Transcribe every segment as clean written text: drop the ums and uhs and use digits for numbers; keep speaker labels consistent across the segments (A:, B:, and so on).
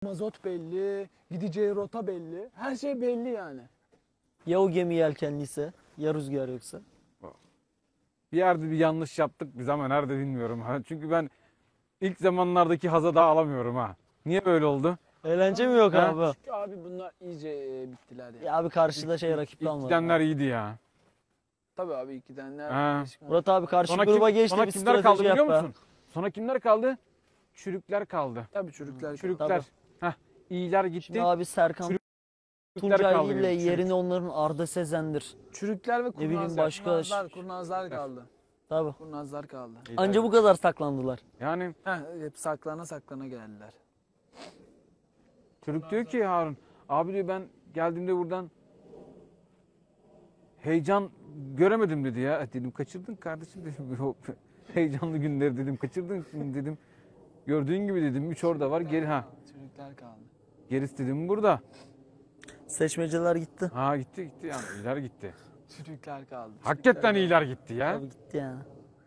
A: mazot belli, gideceği rota belli. Her şey belli yani.
B: Ya o gemi yelkenliyse, ya rüzgar yoksa.
C: Bir yerde bir yanlış yaptık biz ama nerede bilmiyorum. Çünkü ben ilk zamanlardaki haza daha alamıyorum ha. Niye böyle oldu?
B: Eğlence mi yok
C: Ha?
B: abi?
A: Çünkü abi bunlar iyice bittiler yani.
B: Ya abi karşıda rakip
C: İlk
B: kalmadı.
C: gidenler iyiydi ya.
A: Tabii abi ilkidenler.
C: Ha.
B: Murat abi karşı
C: Sonra,
B: gruba geçti,
C: sonra
B: bir
C: kimler kaldı
B: strateji
C: biliyor
B: yap be.
C: musun? Sonra kimler kaldı? Çürükler kaldı.
A: Tabii çocuklar.
C: Çürükler. Heh, iyiler gitti.
B: Şimdi abi Serkan
C: Çürükler
B: Tuncay
C: kaldı
B: ile
C: geriye, çürük.
B: yerini onların Arda Sezen'dir.
A: Çürükler ve
B: bileyim
A: kurnazlar.
B: başka-
A: Kurnazlar kaldı.
B: Tabii.
A: Kurnazlar kaldı.
B: Anca bu kadar saklandılar.
C: Yani
A: Hep saklana geldiler.
C: çocuk diyor ki Harun, abi diyor ben geldiğimde buradan heyecan göremedim dedi ya. Dedim kaçırdın kardeşim dedim. O heyecanlı günleri dedim kaçırdın dedim. Gördüğün gibi dedim 3 orada var geri ha.
A: Çürükler kaldı.
C: Gerisi dedim burada.
B: Seçmeceler gitti.
C: Ha gitti yani iyiler gitti.
A: Çürükler kaldı.
C: Hakikaten iyiler gitti ya.
B: Tabii gitti yani.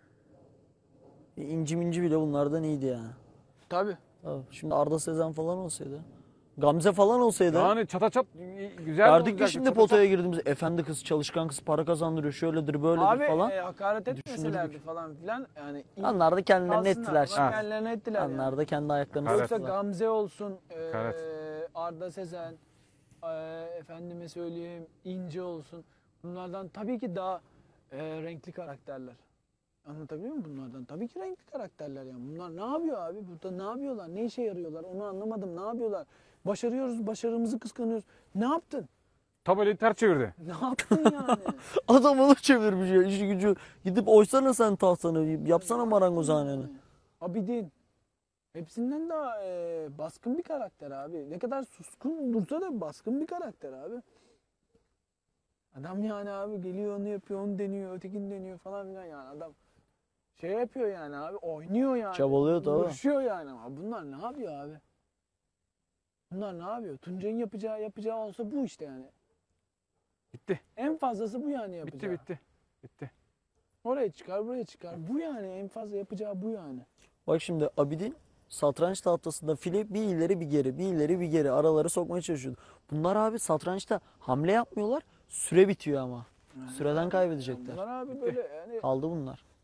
B: İnci minci bile bunlardan iyiydi yani.
A: Tabii.
B: Tabii. Şimdi Arda Sezen falan olsaydı. Gamze falan olsaydı.
C: Yani çata çat güzel
B: Derdik ki
C: olacaktı,
B: şimdi
C: çata
B: potaya girdiğimiz efendi kız, çalışkan kız, para kazandırıyor, şöyledir, böyledir
A: Abi
B: falan.
A: hakaret etmeselerdi falan filan. Yani
B: Onlar da kendilerini
A: kalsınlar.
B: ettiler.
A: Onlar kendilerini ettiler yani.
B: Onlar da kendi ayaklarını
C: Hakaret.
A: Yoksa
B: tuttular.
A: Gamze olsun,
C: Hakaret.
A: Arda Sezen, efendime söyleyeyim İnce olsun. Bunlardan tabii ki daha renkli karakterler. Anlatabiliyor muyum bunlardan? Tabii ki renkli karakterler yani. Bunlar ne yapıyor abi? Burada ne yapıyorlar? Ne işe yarıyorlar? Onu anlamadım. Ne yapıyorlar? Başarıyoruz, başarımızı kıskanıyoruz. Ne yaptın?
C: Tabelayı ters çevirdi.
A: Ne yaptın yani?
B: Adam onu çevirmiş ya, işi gücü. Gidip oysana sen tahtanı, yapsana marangozhaneni.
A: Abidin. Hepsinden daha baskın bir karakter abi. Ne kadar suskun dursa da baskın bir karakter abi. Adam yani abi geliyor onu yapıyor, onu deniyor, ötekini deniyor falan filan yani adam şey yapıyor yani abi, oynuyor yani.
B: Çabalıyor tabii.
A: Uğraşıyor yani ama bunlar ne yapıyor abi? Bunlar ne yapıyor? Tuncay'ın yapacağı olsa bu işte yani.
C: Bitti.
A: En fazlası bu yani yapacağı.
C: Bitti.
A: Oraya çıkar, buraya çıkar. Bu yani en fazla yapacağı bu yani.
B: Bak şimdi Abidin satranç tahtasında file bir ileri bir geri, bir ileri bir geri araları sokmaya çalışıyordu. Bunlar abi satrançta hamle yapmıyorlar, süre bitiyor ama. Süreden kaybedecekler.
A: Bunlar abi böyle yani
B: Kaldı bunlar.